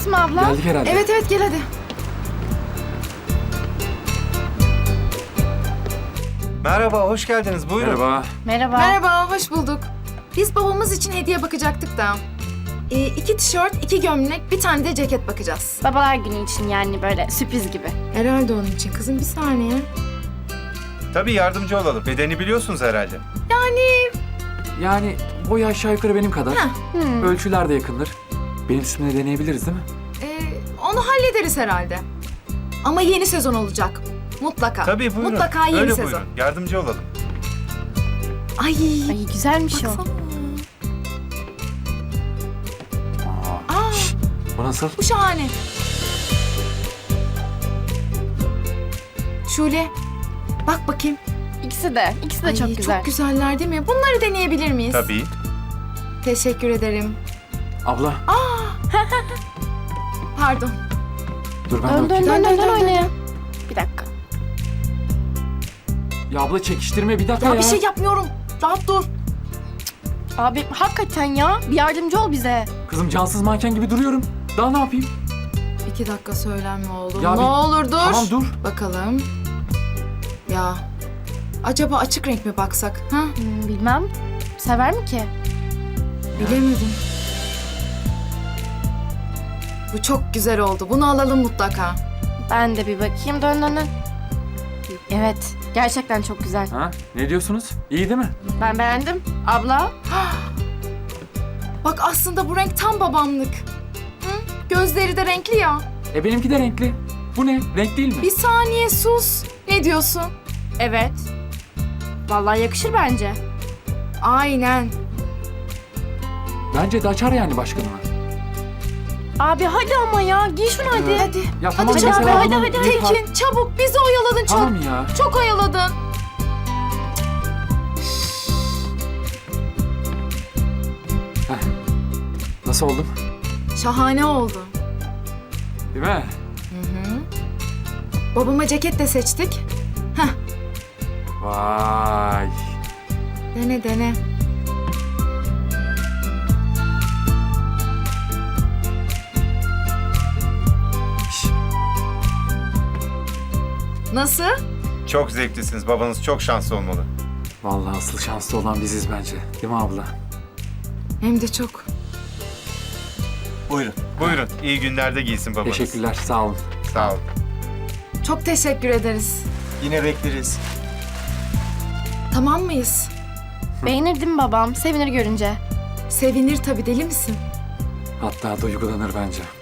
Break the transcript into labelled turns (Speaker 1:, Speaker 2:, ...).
Speaker 1: mı abla?
Speaker 2: Geldik herhalde.
Speaker 3: Evet evet gel hadi.
Speaker 4: Merhaba, hoş geldiniz. Buyurun.
Speaker 2: Merhaba.
Speaker 1: Merhaba.
Speaker 3: Merhaba, hoş bulduk. Biz babamız için hediye bakacaktık da. 2 tişört, 2 gömlek, bir tane de ceket bakacağız.
Speaker 1: Babalar günü için yani böyle sürpriz gibi.
Speaker 3: Herhalde onun için. Kızım bir saniye.
Speaker 4: Tabii yardımcı olalım. Bedeni biliyorsunuz herhalde.
Speaker 2: Yani boyu aşağı yukarı benim kadar.
Speaker 3: Heh.
Speaker 2: Ölçüler de yakındır. Benim üstüne deneyebiliriz değil mi?
Speaker 3: Onu hallederiz herhalde. Ama yeni sezon olacak. Mutlaka.
Speaker 4: Tabii buyurun.
Speaker 3: Mutlaka yeni
Speaker 4: Öyle
Speaker 3: sezon.
Speaker 4: buyurun. Yardımcı olalım.
Speaker 3: Ay.
Speaker 1: Ay güzelmiş
Speaker 3: Baksana.
Speaker 1: o.
Speaker 3: Aa,
Speaker 2: Bu nasıl?
Speaker 3: bu şahane. Şule, bak bakayım.
Speaker 1: İkisi de
Speaker 3: Ay,
Speaker 1: çok güzel.
Speaker 3: Çok güzeller değil mi? Bunları deneyebilir miyiz?
Speaker 4: Tabii.
Speaker 3: Teşekkür ederim.
Speaker 2: Abla
Speaker 3: Pardon.
Speaker 2: dur ben
Speaker 1: Dön
Speaker 2: de bakayım.
Speaker 1: dön oynayalım. Bir dakika.
Speaker 2: Ya abla çekiştirme bir dakika
Speaker 3: Ya
Speaker 2: ya.
Speaker 3: bir şey yapmıyorum. Rahat dur.
Speaker 1: Abi hakikaten ya. Bir yardımcı ol bize.
Speaker 2: Kızım cansız manken gibi duruyorum. Daha ne yapayım?
Speaker 3: 2 dakika söylenme oğlum.
Speaker 2: Ya
Speaker 3: ne
Speaker 2: bir-
Speaker 3: olur dur.
Speaker 2: Tamam dur.
Speaker 3: Bakalım. Ya acaba açık renk mi baksak? Ha?
Speaker 1: Bilmem. Sever mi ki?
Speaker 3: Bilemedim. Bu çok güzel oldu. Bunu alalım mutlaka.
Speaker 1: Ben de bir bakayım. Dön. Evet. Gerçekten çok güzel.
Speaker 2: Ha? Ne diyorsunuz? İyi değil mi?
Speaker 1: Ben beğendim. Abla.
Speaker 3: Bak aslında bu renk tam babamlık. Hı? Gözleri de renkli ya.
Speaker 2: Benimki de renkli. Bu ne? Renk değil mi?
Speaker 3: Bir saniye sus. Ne diyorsun?
Speaker 1: Evet. Vallahi yakışır bence.
Speaker 3: Aynen.
Speaker 2: Bence de açar yani başkanıma.
Speaker 1: Abi hadi ama ya. Giy şunu hadi.
Speaker 3: Hadi.
Speaker 2: Ya tamam
Speaker 3: Hadi
Speaker 2: mesela
Speaker 3: Cafer,
Speaker 2: bunun
Speaker 1: hadi.
Speaker 2: bir par-
Speaker 3: Tekin çabuk bizi oyaladın çok.
Speaker 2: Tamam ya.
Speaker 3: Çok oyaladın.
Speaker 2: Nasıl oldum?
Speaker 3: Şahane oldu.
Speaker 2: Değil mi?
Speaker 3: Babama ceket de seçtik.
Speaker 2: Vay.
Speaker 3: Dene.
Speaker 2: Şş,
Speaker 3: Nasıl?
Speaker 4: Çok zevklisiniz. Babanız çok şanslı olmalı.
Speaker 2: Vallahi asıl şanslı olan biziz bence. Değil mi abla?
Speaker 3: Hem de çok.
Speaker 4: Buyurun. Buyurun. İyi günlerde giysin babanız.
Speaker 2: Teşekkürler. Sağ olun.
Speaker 4: Sağ olun.
Speaker 3: Çok teşekkür ederiz.
Speaker 4: Yine bekleriz.
Speaker 3: Tamam mıyız?
Speaker 1: Beğenir değil mi babam? Sevinir görünce.
Speaker 3: Sevinir tabii, deli misin?
Speaker 2: Hatta duygulanır bence.